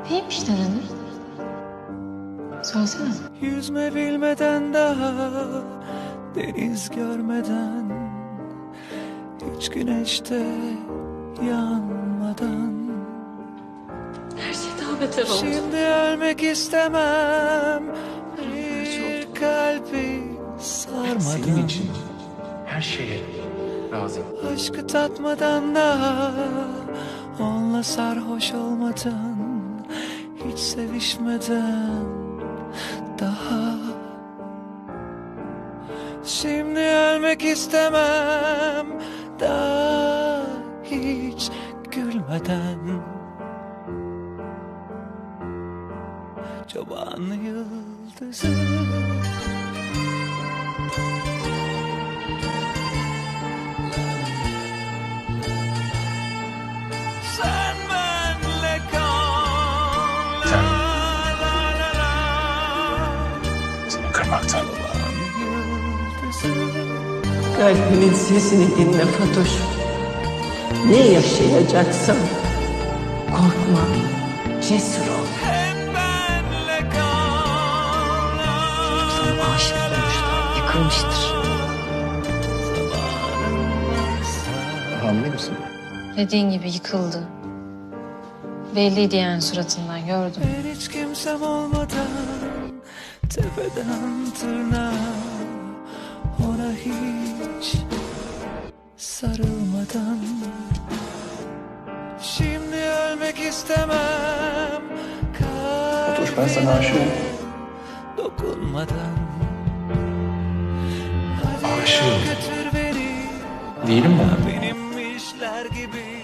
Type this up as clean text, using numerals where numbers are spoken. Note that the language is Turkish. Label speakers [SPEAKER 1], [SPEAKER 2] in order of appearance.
[SPEAKER 1] Neymiş nedeni? Söylesene.
[SPEAKER 2] Yüzme bilmeden daha deniz görmeden, hiç güneşte yanmadan.
[SPEAKER 1] Her şey daha beter oldu.
[SPEAKER 2] Şimdi ölmek istemem, bir kalbi sarmadan.
[SPEAKER 3] Senin için her şeye razıyım.
[SPEAKER 2] Aşkı tatmadan daha, onunla sarhoş olmadan, hiç sevişmeden daha. Şimdi ölmek istemem, daha hiç gülmeden. Çoban yıldızı. Sen benle kal.
[SPEAKER 3] Sen.
[SPEAKER 2] La la la.
[SPEAKER 3] Seni kırmaktan.
[SPEAKER 4] Kalbinin sesini dinle Fatoş. Ne yaşayacaksan korkma, cesur ol.
[SPEAKER 2] Hep benle kal.
[SPEAKER 1] Sana aşık olmuştur, yıkılmıştır.
[SPEAKER 3] Hamile misin?
[SPEAKER 1] Dediğin gibi yıkıldı. Belliydi yani suratından, gördüm.
[SPEAKER 2] Ben hiç kimsem olmadan, tepeden tırnağa, ona hiç sarılmadan. Şimdi ölmek istemem,
[SPEAKER 3] Fatoş, ben sana aşığım.
[SPEAKER 2] dokunmadan.
[SPEAKER 3] Aşığım.
[SPEAKER 2] Götür beni,
[SPEAKER 3] Değilim mi?
[SPEAKER 2] benim işler gibi.